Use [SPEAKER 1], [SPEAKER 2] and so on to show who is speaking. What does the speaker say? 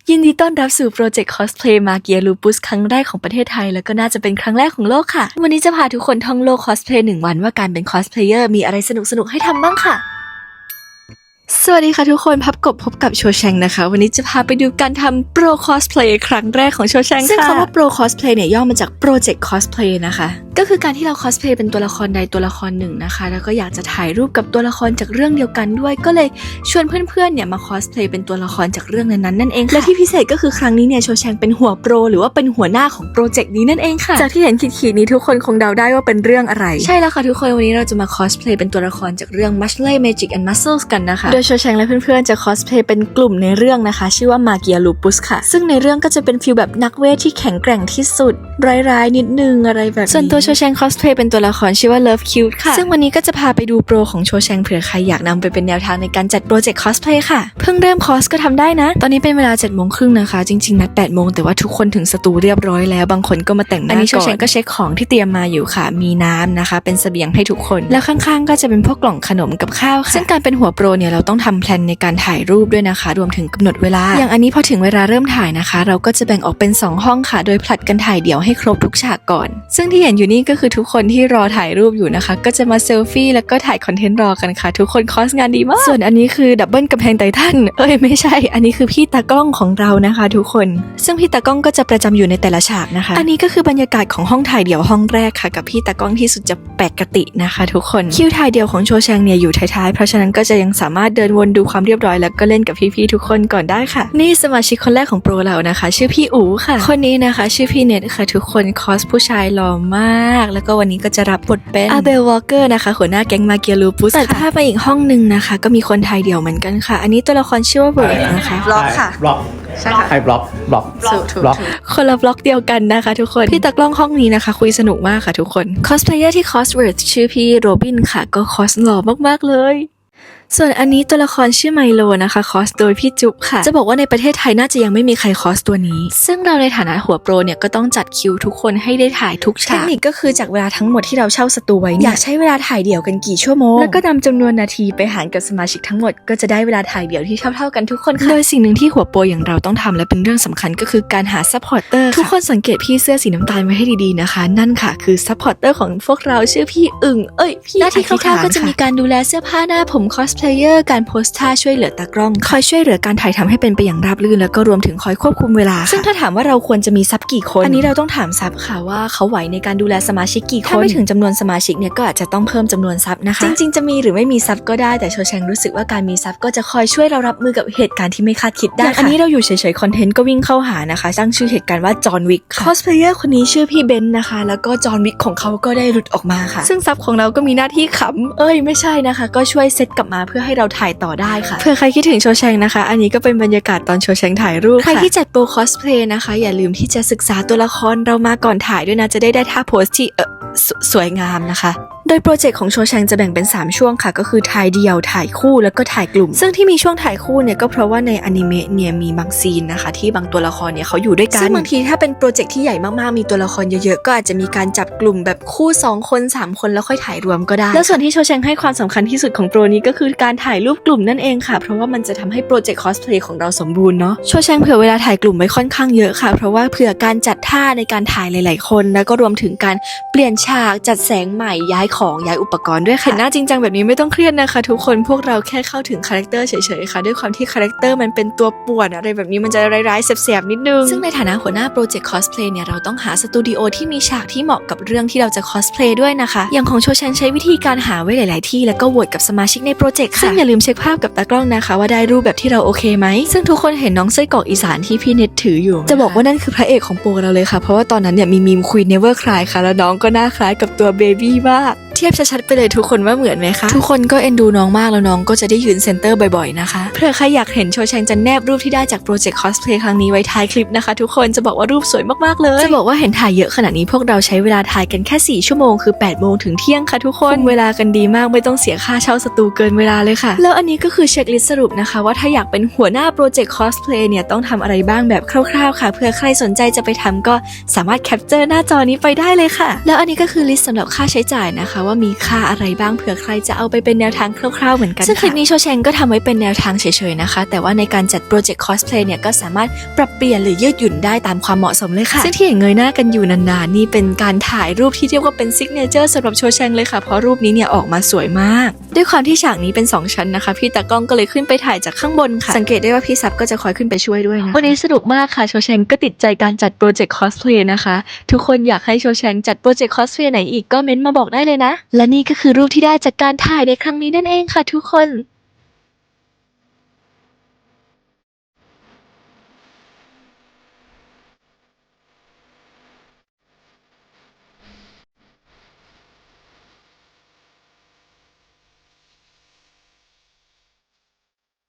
[SPEAKER 1] ยินดีต้อนรับสู่โปรเจกต์คอสเพลย์มาเกียลูปุสครั้งแรกของประเทศไทยแล้วก็น่าจะเป็นครั้งแรกของโลกค่ะวันนี้จะพาทุกคนท่องโลกคอสเพลย์1 วันว่าการเป็นคอสเพลเยอร์มีอะไรสนุกๆให้ทำบ้างค่ะสวัสดีค่ะทุกคนพบกับโชแชงนะคะวันนี้จะพาไปดูการทำโปรคอสเพลย์ครั้งแรกของโชแชงค่ะซึ่งคำว่าโปรคอสเพลย์เนี่ยย่อมาจากโปรเจกต์คอสเพลย์นะคะก็คือการที่เราคอสเพลย์เป็นตัวละครใดตัวละครหนึ่งนะคะแล้วก็อยากจะถ่ายรูปกับตัวละครจากเรื่องเดียวกันด้วยก็เลยชวนเพื่อนๆเนี่ยมาคอสเพลย์เป็นตัวละครจากเรื่องนั้นๆนั่นเองและที่พิเศษก็คือครั้งนี้เนี่ยโชแชงเป็นหัวโปรหรือว่าเป็นหัวหน้าของโปรเจกต์นี้นั่นเองค่ะจากที่เห็นขีดๆนี้ทุกคนคงเดาได้ว่าเป็นเรื่องอะไรใช่แล้วค่ะทุกคนวันนี้เราจะมาคอสเพลย์เป็นตัวละครจากเรื่อง Muscle Magic and Muscles กันนะคะโดยโชแชงและเพื่อนๆจะคอสเพลย์เป็นกลุ่มในเรื่องนะคะชื่อว่ามาเกียลูปุสค่ะซึ่งในเรื่องก็จะเป็นฟีลแบบนักเวทที่แข็งแกร่งที่สุดร้ายๆนิดนึงอะไรแบบนี้ส่วนตัวโชแชงคอสเพลย์เป็นตัวละครชื่อว่า Love Cute ค่ะซึ่งวันนี้ก็จะพาไปดูโปรของโชแชงเผื่อใครอยากนำไปเป็นแนวทางในการจัดโปรเจกต์คอสเพลย์ค่ะเพิ่งเริ่มคอสก็ทำได้นะตอนนี้เป็นเวลา 7:30 นนะคะจริงๆนัด 8:00 นแต่ว่าทุกคนถึงสตูเรียบร้อยแล้วบางคนก็มาแต่งหน้าก่อนอันนี้โชแชงก็เช็คของที่เตรียมมาอยู่ค่ะมีน้ำนะคะเป็นเสบียงให้ทุกคนแล้วข้างๆก็จะเป็นพวกกล่องขนมกับข้าวค่ะซึ่งการเป็นหัวโปรเนี่ยเราต้องทำแพลนในการถ่ายรูปด้วยนะคะรวมถึงกำหนดเวลาอย่างอันนี้พอถึงเวลาเริ่มถ่ายนะคะเราก็จะแบ่งออกเป็น2ห้องค่ะโดยผลัดกันถ่ายเดี่ยวให้ครบทุกฉากก่อนซึ่งที่เห็นอยู่นี่ก็คือทุกคนที่รอถ่ายรูปอยู่นะคะก็จะมาเซลฟี่แล้วก็ถ่ายคอนเทนต์รอกันค่ะทุกคนคอสงานดีมากส่วนอันนี้คือดับเบิลกำแพงไททันไม่ใช่อันนี้คือพี่ตากล้องของเรานะคะทุกคนซึ่งพี่ตากล้องก็จะประจำอยู่ในแต่ละฉากนะคะอันนี้ก็คือบรรยากาศของห้องถ่ายเดี่ยวห้องแรกค่ะกับพี่ตากล้องที่สุดจะปกตินะคะทุกคนคิวถ่ายเดี่ยวของโชแชงเนี่ยอยู่ท้ายๆเพราะฉะนั้นก็จะยังสามารถเดินวนดูความเรียบร้อยแล้วก็เล่นกับพี่ๆทุกคนก่อนได้ค่ะนี่สมาชิกคนแรกของโปรเรานะคะชื่อพี่อู๋ค่ะคนนี้นะคะชื่อพี่เน็ตค่ะทุกคนคอสผู้ชายหล่อมากแล้วก็วันนี้ก็จะรับบทเป็นอาเบลวอลเกอร์นะคะหัวหน้าแก๊งมาเกียลูปุสตัดภาพไปอีกห้องนึงนะคะก็มีคนถ่ายเดี่ยวเหมือนกันค่ะอันนี้ตัวละครชื่อว่าเบิร์ดนะคะ
[SPEAKER 2] บล็อกค่ะ
[SPEAKER 3] บล็อก
[SPEAKER 2] ใช่ค่ะ
[SPEAKER 3] บล็อก
[SPEAKER 1] คนละบล็อกเดียวกันนะคะทุกคนพี่ตากล้องห้องนี้นะคะคุยสนุกมากค่ะทุกคนคอสเพลเยอร์ที่คอสเวิร์ดชื่อพี่โรบินค่ะก็คอสหล่อมากๆเลยส่วนอันนี้ตัวละครชื่อไมโลนะคะคอสโดยพี่จุ๊บค่ะจะบอกว่าในประเทศไทยน่าจะยังไม่มีใครคอสตัวนี้ซึ่งเราในฐานะหัวโปรเนี่ยก็ต้องจัดคิวทุกคนให้ได้ถ่ายทุกฉากเทคนิคก็คือจากเวลาทั้งหมดที่เราเช่าสตูไว้อยากใช้เวลาถ่ายเดี่ยวกันกี่ชั่วโมงแล้วก็นำจำนวนนาทีไปหารกับสมาชิกทั้งหมดก็จะได้เวลาถ่ายเดี่ยวที่เท่าๆกันทุกคนค่ะโดยสิ่งหนึ่งที่หัวโปรอย่างเราต้องทำและเป็นเรื่องสำคัญก็คือการหาซัพพอร์เตอร์ทุกคนสังเกตพี่เสื้อสีน้ำตาลไว้ให้ดีๆนะคะนั่นค่ะคือซัพพอร์เตอร์ของพวกเราชื่อพี่อึ่งพี่หน้าที่คร่าวๆก็จะมีการดูแลเสื้อผ้าหน้าผมคอสเพลเยอร์การโพสท่าช่วยเหลือตากล้องคอยช่วยเหลือการถ่ายทำให้เป็นไปอย่างราบรื่นแล้วก็รวมถึงคอยควบคุมเวลาซึ่งถ้าถามว่าเราควรจะมีซับกี่คนอันนี้เราต้องถามซับค่ะว่าเขาไหวในการดูแลสมาชิกกี่คนถ้าไม่ถึงจำนวนสมาชิกเนี่ยก็อาจจะต้องเพิ่มจำนวนซับนะคะจริงๆจะมีหรือไม่มีซับก็ได้แต่โชแชงรู้สึกว่าการมีซับก็จะคอยช่วยเรารับมือกับเหตุการณ์ที่ไม่คาดคิดได้อันนี้เราอยู่เฉยๆคอนเทนต์ก็วิ่งเข้าหานะคะตั้งชื่อเหตุการณ์ว่าจอห์นวิกคอสเพลเยอร์คนนี้ชื่อพี่เบนนะคะแล้วก็จอห์นวิกของเขาก็ได้หลุดออกมาค่ะซึ่งซับของเราก็มีหน้าที่ขำไม่ใช่นะคะก็ช่วยเซตกลับมาเพื่อให้เราถ่ายต่อได้ค่ะเพื่อใครคิดถึงโชแชงนะคะอันนี้ก็เป็นบรรยากาศตอนโชแชงถ่ายรูปใครที่จัดโปรคอสเพลย์นะคะอย่าลืมที่จะศึกษาตัวละครเรามาก่อนถ่ายด้วยนะจะได้ท่าโพสที่สวยงามนะคะโดยโปรเจกต์ของโชแชงจะแบ่งเป็น3ช่วงค่ะก็คือถ่ายเดี่ยวถ่ายคู่แล้วก็ถ่ายกลุ่มซึ่งที่มีช่วงถ่ายคู่เนี่ยก็เพราะว่าในอนิเมะเนี่ยมีบางซีนนะคะที่บางตัวละครเนี่ยเขาอยู่ด้วยกันซึ่งบางทีถ้าเป็นโปรเจกต์ที่ใหญ่มากๆมีตัวละครเยอะๆก็อาจจะมีการจับกลุ่มแบบคู่2คน3คนแล้วค่อยถ่ายรวมก็ได้แล้วส่วนที่โชแชงให้ความสำคัญที่สุดของโปรนี้ก็คือการถ่ายรูปกลุ่มนั่นเองค่ะเพราะว่ามันจะทำให้โปรเจกต์คอสเพลย์ของเราสมบูรณ์เนาะโชแชงเผื่อเวลาถ่ายกลุ่มไว้ค่อนข้างเยอะค่ะเพราะว่าเผื่อการจัดท่าในการถ่ายหลายๆคนแล้วก็รวมถึงการเปลี่ยนฉากจัดแสงใหม่ย้ายของย้ายอุปกรณ์ด้วยค่ะเห็นหน้าจริงจังแบบนี้ไม่ต้องเครียดนะคะทุกคนพวกเราแค่เข้าถึงคาแรคเตอร์เฉยๆค่ะด้วยความที่คาแรคเตอร์มันเป็นตัวป่วนอะไรแบบนี้มันจะร้ายๆแสบๆนิดนึงซึ่งในฐานะหัวหน้าโปรเจกต์คอสเพลย์เนี่ยเราต้องหาสตูดิโอที่มีฉากที่เหมาะกับเรื่องที่เราจะคอสเพลย์ด้วยนะคะอย่างของโชแชงใช้วิธีการหาไว้หลายๆที่แล้วก็โหวตกับสมาชิกในโปรเจกต์ค่ะซึ่งอย่าลืมเช็คภาพกับตากล้องนะคะว่าได้รูปแบบที่เราโอเคไหมซึ่งทุกคนเห็นน้องไส้กรอกอีสานที่พี่เน็ตถืออยู่จะบอกว่านั่นคือพระเอกของโปรเราเลยค่ะเพราะว่าตอนนั้นเนี่ยมีมีม Queen Never Cry ค่ะแล้วน้องก็หน้าคล้ายกับตัวเบบี้มากเทียบชัดๆไปเลยทุกคนว่าเหมือนไหมคะทุกคนก็เอ็นดูน้องมากแล้วน้องก็จะได้ยืนเซนเตอร์บ่อยๆนะคะเพื่อใครอยากเห็นโชแชงจะแนบรูปที่ได้จากโปรเจกต์คอสเพลย์ครั้งนี้ไว้ท้ายคลิปนะคะทุกคนจะบอกว่ารูปสวยมากๆเลยจะบอกว่าเห็นถ่ายเยอะขนาดนี้พวกเราใช้เวลาถ่ายกันแค่4ชั่วโมงคือ8โมงถึงเที่ยงค่ะทุกคนเวลากันดีมากไม่ต้องเสียค่าเช่าสตูเกินเวลาเลยค่ะแล้วอันนี้ก็คือเช็คลิสต์สรุปนะคะว่าถ้าอยากเป็นหัวหน้าโปรเจกต์คอสเพลย์เนี่ยต้องทำอะไรบ้างแบบคร่าวๆค่ะเพื่อใครสนใจจะไปทำก็สามารถแคปเจอร์หน้าจอนี้ไปได้เลยค่ะแล้วอันนี้ก็คือลิสต์สำหรับค่าใช้จ่ายนะคะว่ามีค่าอะไรบ้างเผื่อใครจะเอาไปเป็นแนวทางคร่าวๆเหมือนกันซึ่งคลิปนี้โชแชงก็ทำไว้เป็นแนวทางเฉยๆนะคะแต่ว่าในการจัดโปรเจกต์คอสเพลย์เนี่ยก็สามารถปรับเปลี่ยนหรือยืดหยุ่นได้ตามความเหมาะสมเลยค่ะซึ่งที่เห็นเงยหน้ากันอยู่นานๆนี่เป็นการถ่ายรูปที่เรียกว่าเป็นซิกเนเจอร์สำหรับโชแชงเลยค่ะเพราะรูปนี้เนี่ยออกมาสวยมากด้วยความที่ฉากนี้เป็น2ชั้นนะคะพี่ตากล้องก็เลยขึ้นไปถ่ายจากข้างบนค่ะสังเกตได้ว่าพี่ซับก็จะคอยขึ้นไปช่วยด้วยนะวันนี้สนุกมากค่ะโชแชงก็ติดใจการจัดโปรเจกต์คอสเพลย์นะคะทุกคนอยากให้โชแชงจัดโปรเจกต์คอสเพลย์ไหนอีกก็เม้นต์มาบอกได้เลยนะและนี่ก็คือรูปที่ได้จากการถ่ายในครั้งนี้นั่นเองค่ะทุกคน